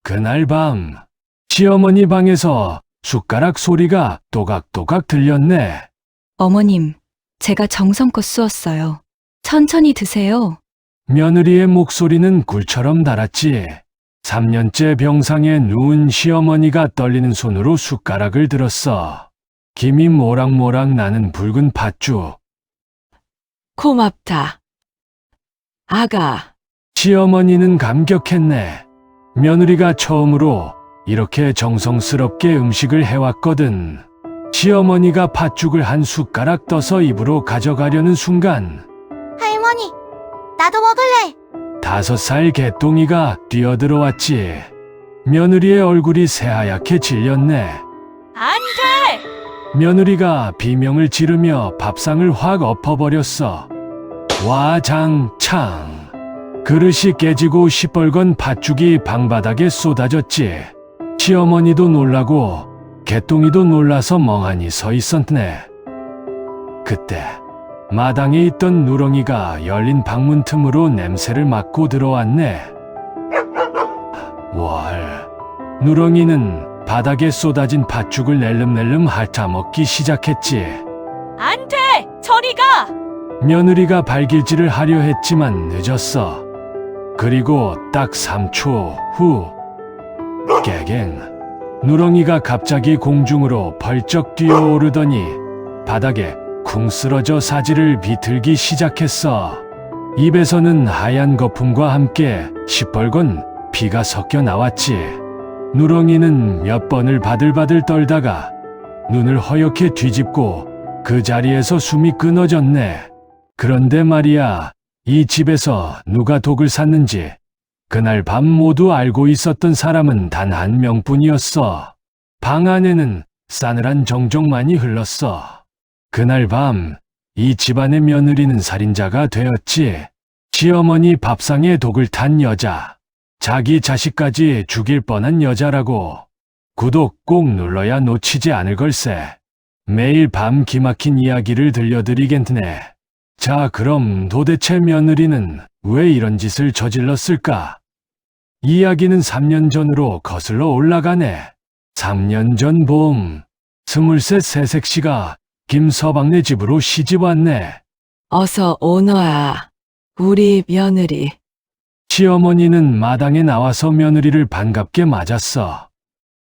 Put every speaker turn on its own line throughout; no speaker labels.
그날 밤, 시어머니 방에서 숟가락 소리가 또각또각 들렸네.
어머님, 제가 정성껏 쑤었어요. 천천히 드세요.
며느리의 목소리는 굴처럼 달았지. 3년째 병상에 누운 시어머니가 떨리는 손으로 숟가락을 들었어. 김이 모락모락 나는 붉은 팥죽.
고맙다. 아가,
시어머니는 감격했네. 며느리가 처음으로 이렇게 정성스럽게 음식을 해왔거든. 시어머니가 팥죽을 한 숟가락 떠서 입으로 가져가려는 순간
할머니, 나도 먹을래.
5살 개똥이가 뛰어들어왔지. 며느리의 얼굴이 새하얗게 질렸네.
안 돼!
며느리가 비명을 지르며 밥상을 확 엎어버렸어. 와장창. 그릇이 깨지고 시뻘건 팥죽이 방바닥에 쏟아졌지. 시어머니도 놀라고 개똥이도 놀라서 멍하니 서 있었네. 그때 마당에 있던 누렁이가 열린 방문 틈으로 냄새를 맡고 들어왔네. 월. 누렁이는 바닥에 쏟아진 팥죽을 낼름낼름 핥아먹기 시작했지.
안 돼! 저리 가!
며느리가 발길질을 하려 했지만 늦었어. 그리고 딱 3초 후 깨갱. 누렁이가 갑자기 공중으로 벌쩍 뛰어오르더니 바닥에 쿵 쓰러져 사지를 비틀기 시작했어. 입에서는 하얀 거품과 함께 시뻘건 피가 섞여 나왔지. 누렁이는 몇 번을 바들바들 떨다가 눈을 허옇게 뒤집고 그 자리에서 숨이 끊어졌네. 그런데 말이야, 이 집에서 누가 독을 샀는지 그날 밤 모두 알고 있었던 사람은 단 한 명뿐이었어. 방 안에는 싸늘한 정적만이 흘렀어. 그날 밤, 이 집안의 며느리는 살인자가 되었지. 시어머니 밥상에 독을 탄 여자. 자기 자식까지 죽일 뻔한 여자라고. 구독 꼭 눌러야 놓치지 않을 걸세. 매일 밤 기막힌 이야기를 들려드리겠네. 자, 그럼 도대체 며느리는 왜 이런 짓을 저질렀을까? 이야기는 3년 전으로 거슬러 올라가네. 3년 전 봄, 23 새색시가 김서방네 집으로 시집 왔네.
어서 오너아. 우리 며느리.
시어머니는 마당에 나와서 며느리를 반갑게 맞았어.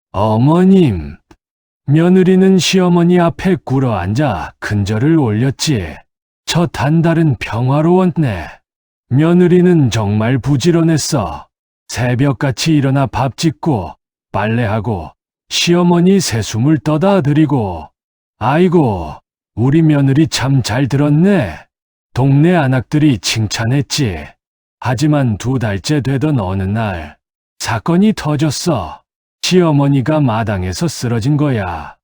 어머님. 며느리는 시어머니 앞에 꿇어앉아 큰절을 올렸지. 첫 한 달은 평화로웠네. 며느리는 정말 부지런했어. 새벽같이 일어나 밥 짓고 빨래하고 시어머니 새숨을 떠다 드리고. 아이고, 우리 며느리 참 잘 들었네. 동네 아낙들이 칭찬했지. 하지만 2달째 되던 어느 날 사건이 터졌어. 시어머니가 마당에서 쓰러진 거야.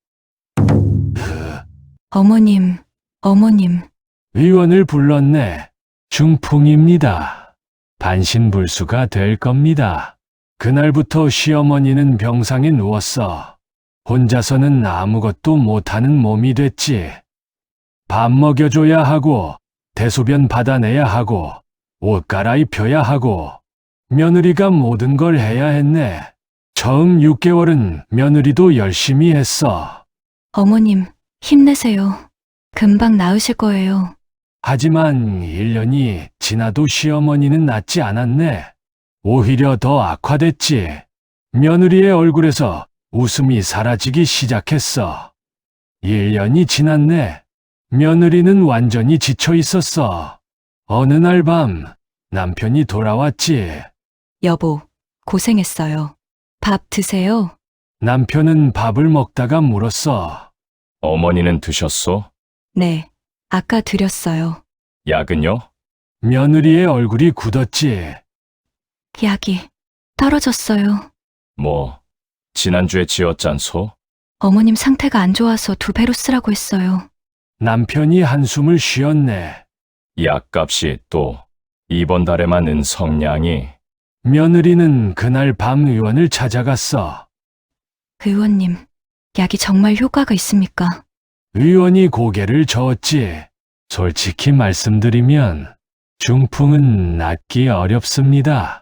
어머님, 어머님.
의원을 불렀네. 중풍입니다. 반신불수가 될 겁니다. 그날부터 시어머니는 병상에 누웠어. 혼자서는 아무것도 못하는 몸이 됐지. 밥 먹여줘야 하고, 대소변 받아내야 하고, 옷 갈아입혀야 하고, 며느리가 모든 걸 해야 했네. 처음 6개월은 며느리도 열심히 했어.
어머님, 힘내세요. 금방 나으실 거예요.
하지만 1년이 지나도 시어머니는 낫지 않았네. 오히려 더 악화됐지. 며느리의 얼굴에서 웃음이 사라지기 시작했어. 1년이 지났네. 며느리는 완전히 지쳐 있었어. 어느 날 밤, 남편이 돌아왔지.
여보, 고생했어요. 밥 드세요.
남편은 밥을 먹다가 물었어.
어머니는 드셨소?
네, 아까 드렸어요.
약은요?
며느리의 얼굴이 굳었지.
약이 떨어졌어요.
뭐, 지난주에 지었잖소?
어머님 상태가 안 좋아서 2배로 쓰라고 했어요.
남편이 한숨을 쉬었네.
약값이 또 이번 달에만 은 성냥이.
며느리는 그날 밤 의원을 찾아갔어.
의원님, 약이 정말 효과가 있습니까?
의원이 고개를 저었지. 솔직히 말씀드리면 중풍은 낫기 어렵습니다.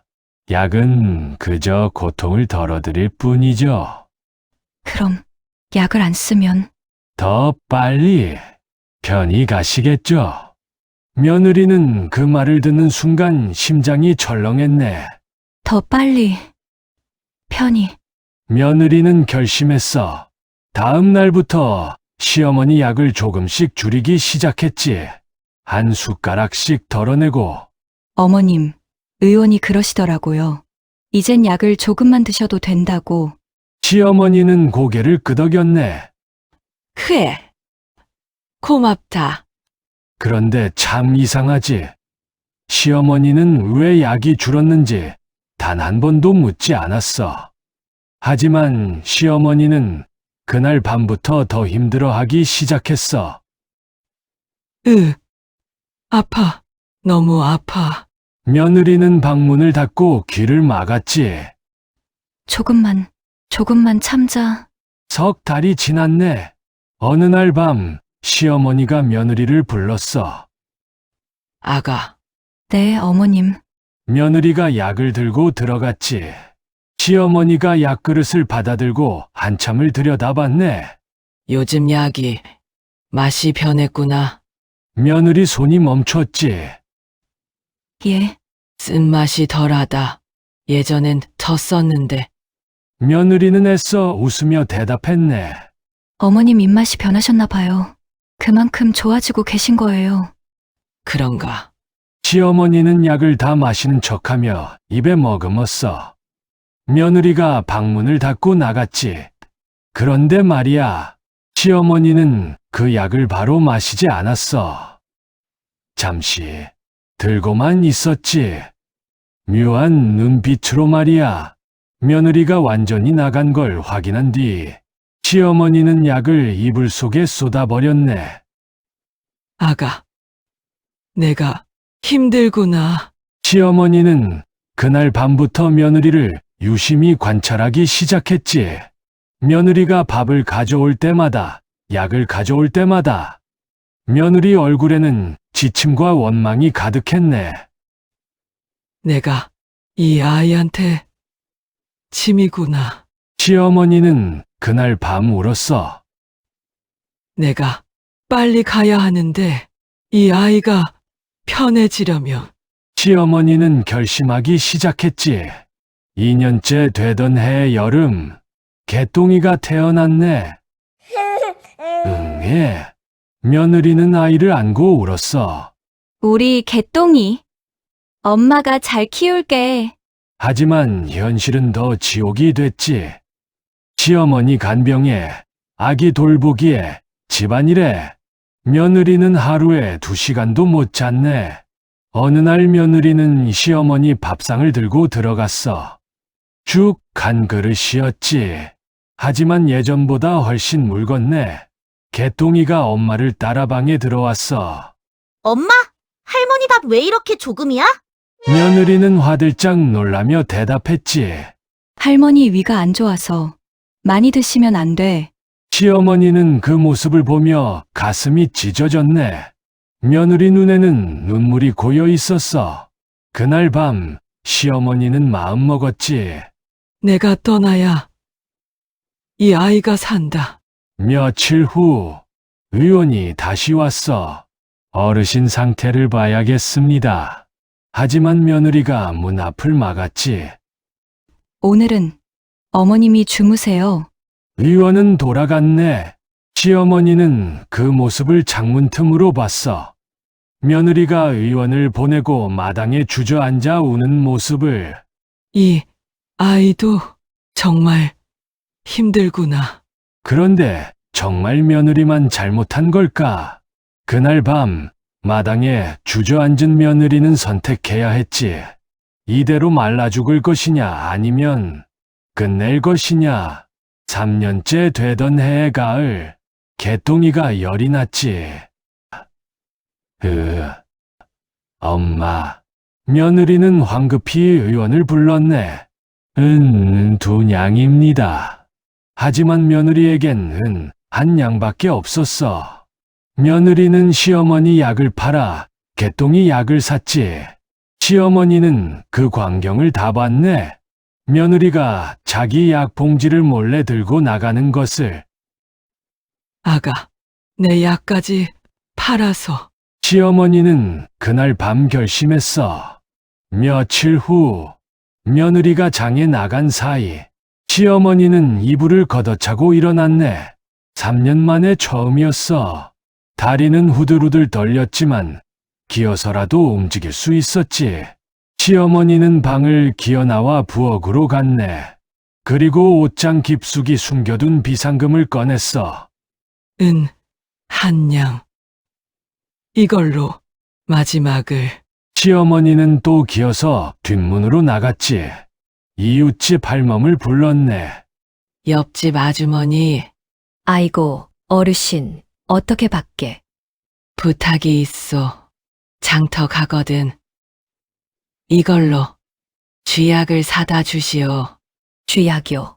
약은 그저 고통을 덜어드릴 뿐이죠.
그럼 약을 안 쓰면
더 빨리 편히 가시겠죠. 며느리는 그 말을 듣는 순간 심장이 철렁했네.
더 빨리 편히.
며느리는 결심했어. 다음 날부터 시어머니 약을 조금씩 줄이기 시작했지. 한 숟가락씩 덜어내고.
어머님, 의원이 그러시더라고요. 이젠 약을 조금만 드셔도 된다고.
시어머니는 고개를 끄덕였네.
그래. 고맙다.
그런데 참 이상하지. 시어머니는 왜 약이 줄었는지 단 한 번도 묻지 않았어. 하지만 시어머니는 그날 밤부터 더 힘들어하기 시작했어.
아파. 너무 아파.
며느리는 방문을 닫고 귀를 막았지.
조금만 참자.
석 달이 지났네. 어느 날 밤 시어머니가 며느리를 불렀어.
아가,
네, 어머님.
며느리가 약을 들고 들어갔지. 시어머니가 약그릇을 받아들고 한참을 들여다봤네.
요즘 약이 맛이 변했구나.
며느리 손이 멈췄지.
예,
쓴맛이 덜하다. 예전엔 더 썼는데.
며느리는 애써 웃으며 대답했네.
어머님 입맛이 변하셨나 봐요. 그만큼 좋아지고 계신 거예요.
그런가.
시어머니는 약을 다 마시는 척하며 입에 머금었어. 며느리가 방문을 닫고 나갔지. 그런데 말이야, 시어머니는 그 약을 바로 마시지 않았어. 잠시 들고만 있었지. 묘한 눈빛으로 말이야. 며느리가 완전히 나간 걸 확인한 뒤 시어머니는 약을 이불 속에 쏟아버렸네.
아가, 내가 힘들구나.
시어머니는 그날 밤부터 며느리를 유심히 관찰하기 시작했지. 며느리가 밥을 가져올 때마다, 약을 가져올 때마다 며느리 얼굴에는 지침과 원망이 가득했네.
내가 이 아이한테 짐이구나.
시어머니는 그날 밤 울었어.
내가 빨리 가야 하는데 이 아이가 편해지려면
시어머니는 결심하기 시작했지. 2년째 되던 해 여름, 개똥이가 태어났네. 예. 며느리는 아이를 안고 울었어.
우리 개똥이. 엄마가 잘 키울게.
하지만 현실은 더 지옥이 됐지. 시어머니 간병에, 아기 돌보기에, 집안일에, 며느리는 하루에 2시간도 못 잤네. 어느 날 며느리는 시어머니 밥상을 들고 들어갔어. 쭉 한 그릇이었지. 하지만 예전보다 훨씬 묽었네. 개똥이가 엄마를 따라 방에 들어왔어.
엄마, 할머니 밥 왜 이렇게 조금이야?
며느리는 화들짝 놀라며 대답했지.
할머니 위가 안 좋아서 많이 드시면 안 돼.
시어머니는 그 모습을 보며 가슴이 찢어졌네. 며느리 눈에는 눈물이 고여 있었어. 그날 밤 시어머니는 마음먹었지.
내가 떠나야 이 아이가 산다.
며칠 후 의원이 다시 왔어. 어르신 상태를 봐야겠습니다. 하지만 며느리가 문 앞을 막았지.
오늘은 어머님이 주무세요.
의원은 돌아갔네. 시어머니는 그 모습을 창문 틈으로 봤어. 며느리가 의원을 보내고 마당에 주저앉아 우는 모습을.
이 아이도 정말 힘들구나.
그런데 정말 며느리만 잘못한 걸까? 그날 밤 마당에 주저앉은 며느리는 선택해야 했지. 이대로 말라 죽을 것이냐 아니면 끝낼 것이냐. 3년째 되던 해의 가을, 개똥이가 열이 났지. 엄마. 며느리는 황급히 의원을 불렀네. 두 냥입니다. 하지만 며느리에겐 한 냥밖에 없었어. 며느리는 시어머니 약을 팔아 개똥이 약을 샀지. 시어머니는 그 광경을 다 봤네. 며느리가 자기 약 봉지를 몰래 들고 나가는 것을.
아가, 내 약까지 팔아서.
시어머니는 그날 밤 결심했어. 며칠 후 며느리가 장에 나간 사이 시어머니는 이불을 걷어차고 일어났네. 3년 만에 처음이었어. 다리는 후들후들 떨렸지만 기어서라도 움직일 수 있었지. 시어머니는 방을 기어나와 부엌으로 갔네. 그리고 옷장 깊숙이 숨겨둔 비상금을 꺼냈어.
은, 한 양. 이걸로 마지막을.
시어머니는 또 기어서 뒷문으로 나갔지. 이웃집 할멈을 불렀네.
옆집 아주머니,
아이고, 어르신, 어떻게 밖에?
부탁이 있어. 장터 가거든. 이걸로 쥐약을 사다 주시오.
쥐약이요.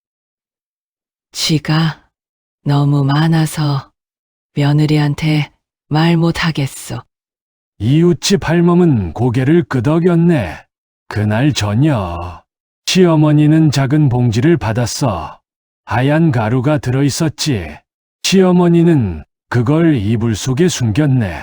쥐가 너무 많아서 며느리한테 말 못하겠어.
이웃집 할멈은 고개를 끄덕였네. 그날 저녁 시어머니는 작은 봉지를 받았어. 하얀 가루가 들어있었지. 시어머니는 그걸 이불 속에 숨겼네.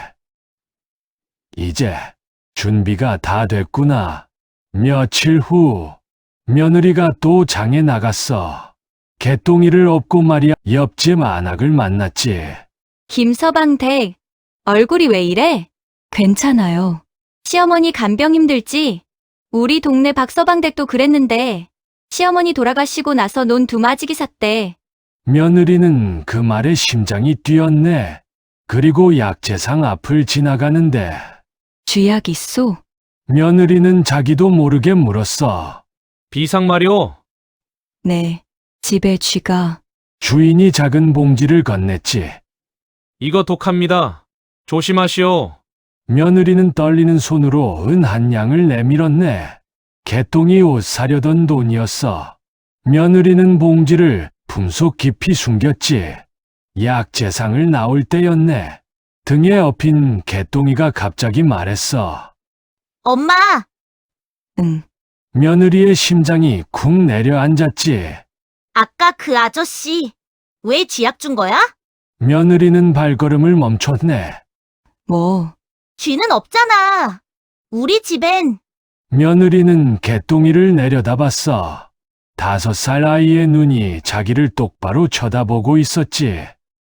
이제 준비가 다 됐구나. 며칠 후 며느리가 또 장에 나갔어. 개똥이를 업고 말이야. 옆집 안악을 만났지.
김서방 댁, 얼굴이 왜 이래?
괜찮아요.
시어머니 간병 힘들지? 우리 동네 박서방 댁도 그랬는데 시어머니 돌아가시고 나서 논 두마지기 샀대.
며느리는 그 말에 심장이 뛰었네. 그리고 약재상 앞을 지나가는데
쥐약 있소?
며느리는 자기도 모르게 물었어.
비상 말이오.
네. 집에 쥐가.
주인이 작은 봉지를 건넸지.
이거 독합니다. 조심하시오.
며느리는 떨리는 손으로 은 한 양을 내밀었네. 개똥이 옷 사려던 돈이었어. 며느리는 봉지를 품속 깊이 숨겼지. 약재상을 나올 때였네. 등에 업힌 개똥이가 갑자기 말했어.
엄마,
응.
며느리의 심장이 쿵 내려앉았지.
아까 그 아저씨 왜 쥐약 준 거야?
며느리는 발걸음을 멈췄네.
뭐,
쥐는 없잖아. 우리 집엔.
며느리는 개똥이를 내려다봤어. 5살 아이의 눈이 자기를 똑바로 쳐다보고 있었지.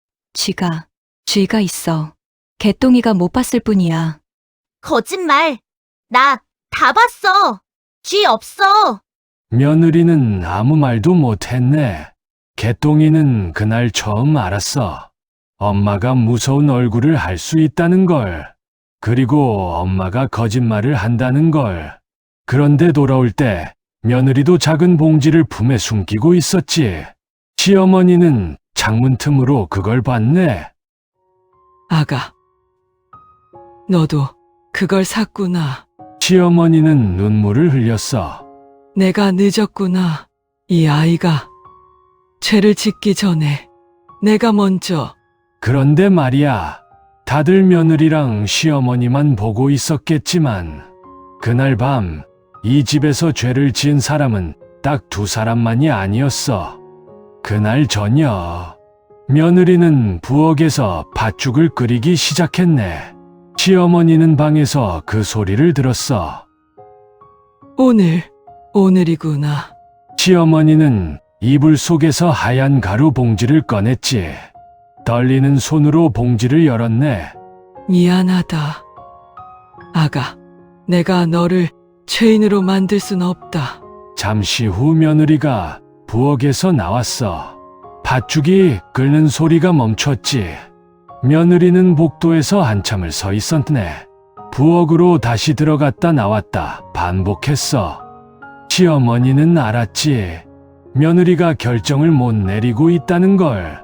쥐가 있어. 개똥이가 못 봤을 뿐이야.
거짓말. 나 다 봤어. 쥐 없어.
며느리는 아무 말도 못했네. 개똥이는 그날 처음 알았어. 엄마가 무서운 얼굴을 할 수 있다는 걸. 그리고 엄마가 거짓말을 한다는 걸. 그런데 돌아올 때 며느리도 작은 봉지를 품에 숨기고 있었지. 시어머니는 창문 틈으로 그걸 봤네.
아가, 너도 그걸 샀구나.
시어머니는 눈물을 흘렸어.
내가 늦었구나. 이 아이가 죄를 짓기 전에 내가 먼저.
그런데 말이야, 다들 며느리랑 시어머니만 보고 있었겠지만 그날 밤 이 집에서 죄를 지은 사람은 딱 2사람만이 아니었어. 그날 저녁 며느리는 부엌에서 팥죽을 끓이기 시작했네. 시어머니는 방에서 그 소리를 들었어.
오늘이구나.
시어머니는 이불 속에서 하얀 가루 봉지를 꺼냈지. 떨리는 손으로 봉지를 열었네.
미안하다. 아가, 내가 너를 죄인으로 만들 순 없다.
잠시 후 며느리가 부엌에서 나왔어. 팥죽이 끓는 소리가 멈췄지. 며느리는 복도에서 한참을 서 있었네. 부엌으로 다시 들어갔다 나왔다 반복했어. 시어머니는 알았지. 며느리가 결정을 못 내리고 있다는 걸.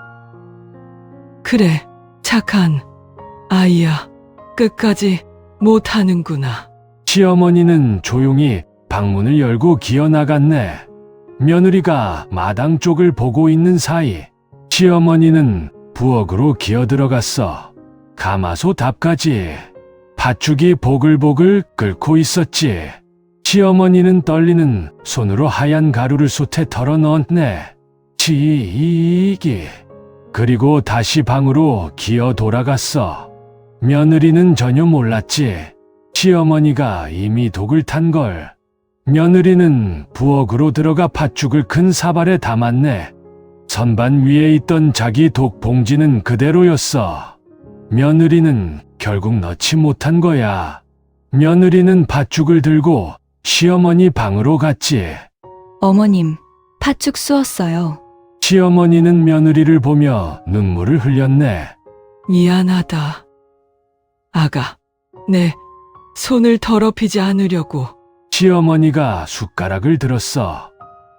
그래, 착한 아이야. 끝까지 못하는구나.
시어머니는 조용히 방문을 열고 기어나갔네. 며느리가 마당 쪽을 보고 있는 사이 시어머니는 부엌으로 기어들어갔어. 가마솥 앞까지. 팥죽이 보글보글 끓고 있었지. 시어머니는 떨리는 손으로 하얀 가루를 솥에 덜어 넣었네. 지기. 그리고 다시 방으로 기어 돌아갔어. 며느리는 전혀 몰랐지. 시어머니가 이미 독을 탄 걸. 며느리는 부엌으로 들어가 팥죽을 큰 사발에 담았네. 선반 위에 있던 자기 독 봉지는 그대로였어. 며느리는 결국 넣지 못한 거야. 며느리는 팥죽을 들고 시어머니 방으로 갔지.
어머님, 팥죽 쑤었어요.
시어머니는 며느리를 보며 눈물을 흘렸네.
미안하다. 아가, 내 손을 더럽히지 않으려고.
시어머니가 숟가락을 들었어.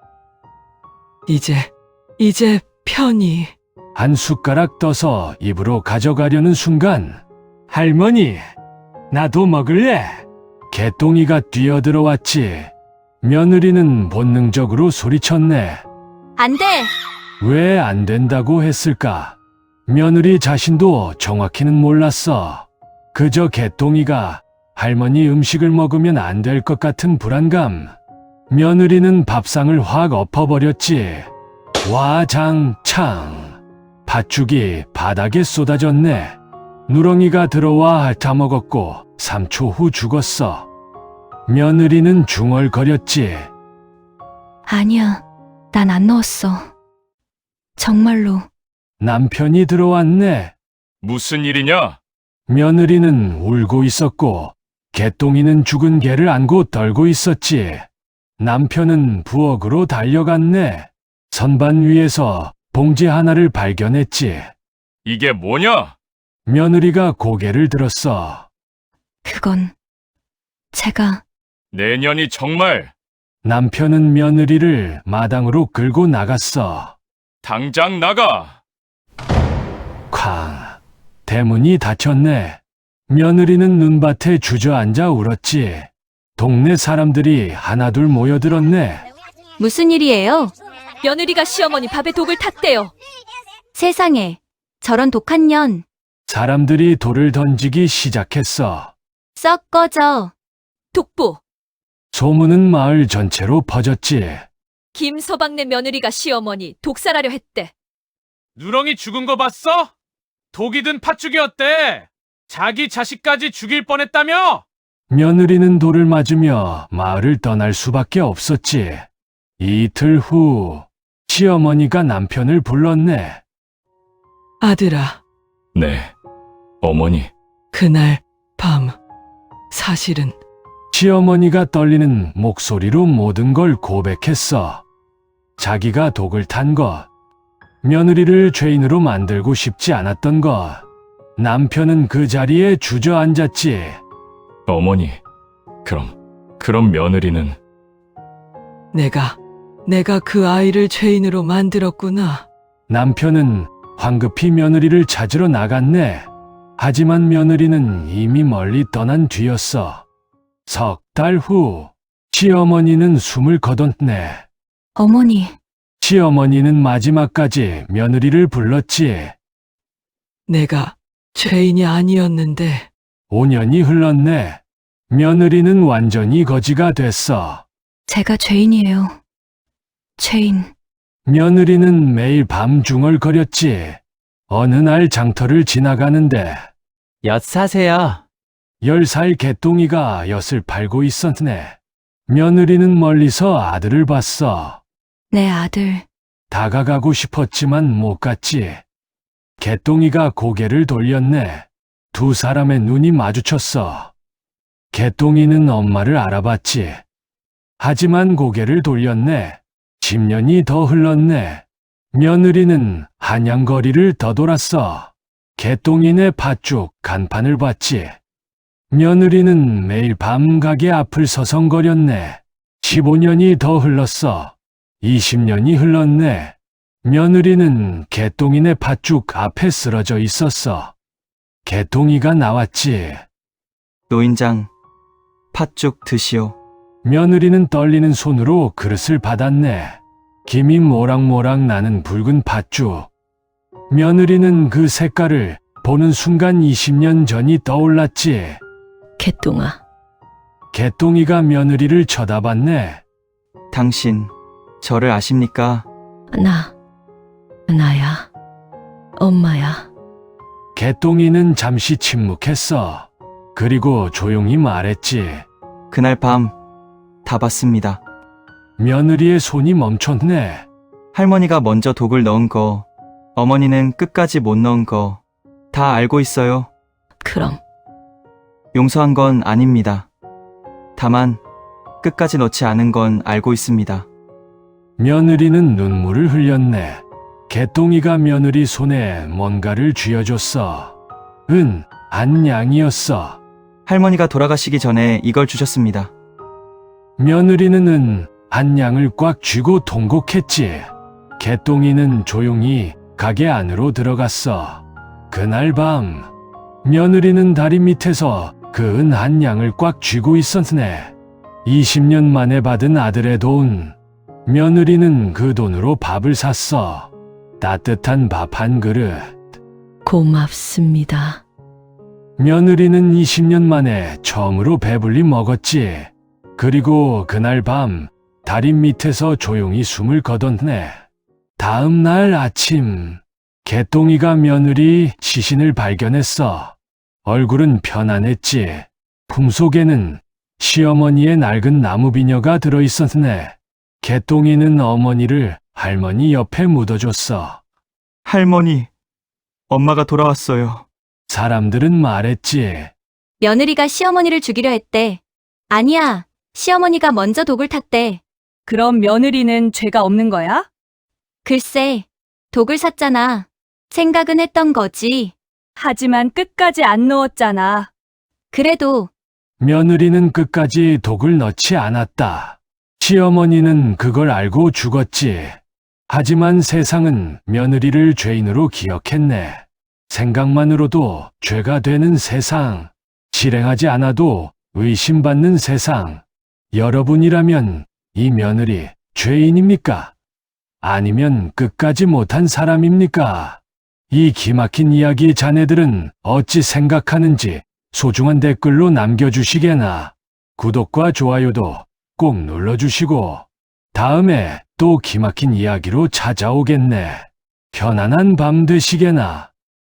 이제 편히.
한 숟가락 떠서 입으로 가져가려는 순간 할머니, 나도 먹을래. 개똥이가 뛰어들어왔지. 며느리는 본능적으로 소리쳤네.
안 돼!
왜 안 된다고 했을까? 며느리 자신도 정확히는 몰랐어. 그저 개똥이가 할머니 음식을 먹으면 안 될 것 같은 불안감. 며느리는 밥상을 확 엎어버렸지. 와장창. 팥죽이 바닥에 쏟아졌네. 누렁이가 들어와 핥아먹었고 3초 후 죽었어. 며느리는 중얼거렸지.
아니야, 난 안 넣었어. 정말로.
남편이 들어왔네.
무슨 일이냐?
며느리는 울고 있었고 개똥이는 죽은 개를 안고 떨고 있었지. 남편은 부엌으로 달려갔네. 선반 위에서 봉지 하나를 발견했지.
이게 뭐냐?
며느리가 고개를 들었어.
그건 제가.
내년이 정말
남편은 며느리를 마당으로 끌고 나갔어.
당장 나가!
쾅. 대문이 닫혔네. 며느리는 눈밭에 주저앉아 울었지. 동네 사람들이 하나둘 모여들었네.
무슨 일이에요?
며느리가 시어머니 밥에 독을 탔대요.
세상에, 저런 독한 년.
사람들이 돌을 던지기 시작했어.
썩 꺼져.
독보.
소문은 마을 전체로 퍼졌지.
김서방네 며느리가 시어머니 독살하려 했대.
누렁이 죽은 거 봤어? 독이 든 팥죽이었대. 자기 자식까지 죽일 뻔했다며?
며느리는 돌을 맞으며 마을을 떠날 수밖에 없었지. 이틀 후 시어머니가 남편을 불렀네.
아들아,
네, 어머니.
그날 밤 사실은
시어머니가 떨리는 목소리로 모든 걸 고백했어. 자기가 독을 탄 것, 며느리를 죄인으로 만들고 싶지 않았던 것. 남편은 그 자리에 주저앉았지.
어머니, 그럼 며느리는
내가 그 아이를 죄인으로 만들었구나.
남편은 황급히 며느리를 찾으러 나갔네. 하지만 며느리는 이미 멀리 떠난 뒤였어. 석 달 후, 시어머니는 숨을 거뒀네.
어머니,
시어머니는 마지막까지 며느리를 불렀지.
내가 죄인이 아니었는데
5년이 흘렀네. 며느리는 완전히 거지가 됐어.
제가 죄인이에요. 죄인.
며느리는 매일 밤 중얼거렸지. 어느 날 장터를 지나가는데
엿 사세요.
10살 개똥이가 엿을 팔고 있었네. 며느리는 멀리서 아들을 봤어.
내 아들.
다가가고 싶었지만 못 갔지. 개똥이가 고개를 돌렸네. 두 사람의 눈이 마주쳤어. 개똥이는 엄마를 알아봤지. 하지만 고개를 돌렸네. 10년이 더 흘렀네. 며느리는 한양거리를 더돌았어. 개똥이네 팥죽 간판을 봤지. 며느리는 매일 밤 가게 앞을 서성거렸네. 15년이 더 흘렀어. 20년이 흘렀네. 며느리는 개똥이네 팥죽 앞에 쓰러져 있었어. 개똥이가 나왔지.
노인장, 팥죽 드시오.
며느리는 떨리는 손으로 그릇을 받았네. 김이 모락모락 나는 붉은 팥죽. 며느리는 그 색깔을 보는 순간 20년 전이 떠올랐지.
개똥아.
개똥이가 며느리를 쳐다봤네.
당신, 저를 아십니까?
나야. 엄마야.
개똥이는 잠시 침묵했어. 그리고 조용히 말했지.
그날 밤, 다 봤습니다.
며느리의 손이 멈췄네.
할머니가 먼저 독을 넣은 거, 어머니는 끝까지 못 넣은 거, 다 알고 있어요.
그럼
용서한 건 아닙니다. 다만, 끝까지 넣지 않은 건 알고 있습니다.
며느리는 눈물을 흘렸네. 개똥이가 며느리 손에 뭔가를 쥐어줬어. 안양이었어.
할머니가 돌아가시기 전에 이걸 주셨습니다.
며느리는 안양을 꽉 쥐고 통곡했지. 개똥이는 조용히 가게 안으로 들어갔어. 그날 밤, 며느리는 다리 밑에서 그 안양을 꽉 쥐고 있었네. 20년 만에 받은 아들의 돈. 며느리는 그 돈으로 밥을 샀어. 따뜻한 밥 한 그릇.
고맙습니다.
며느리는 20년 만에 처음으로 배불리 먹었지. 그리고 그날 밤 다리 밑에서 조용히 숨을 거뒀네. 다음 날 아침, 개똥이가 며느리 시신을 발견했어. 얼굴은 편안했지. 품속에는 시어머니의 낡은 나무 비녀가 들어있었네. 개똥이는 어머니를 할머니 옆에 묻어줬어.
할머니, 엄마가 돌아왔어요.
사람들은 말했지.
며느리가 시어머니를 죽이려 했대. 아니야, 시어머니가 먼저 독을 탔대.
그럼 며느리는 죄가 없는 거야?
글쎄, 독을 샀잖아. 생각은 했던 거지.
하지만 끝까지 안 넣었잖아.
그래도
며느리는 끝까지 독을 넣지 않았다. 시어머니는 그걸 알고 죽었지. 하지만 세상은 며느리를 죄인으로 기억했네. 생각만으로도 죄가 되는 세상. 실행하지 않아도 의심받는 세상. 여러분이라면 이 며느리 죄인입니까? 아니면 끝까지 못한 사람입니까? 이 기막힌 이야기 자네들은 어찌 생각하는지 소중한 댓글로 남겨주시게나. 구독과 좋아요도 꼭 눌러주시고 다음에 또 기막힌 이야기로 찾아오겠네. 편안한 밤 되시게나.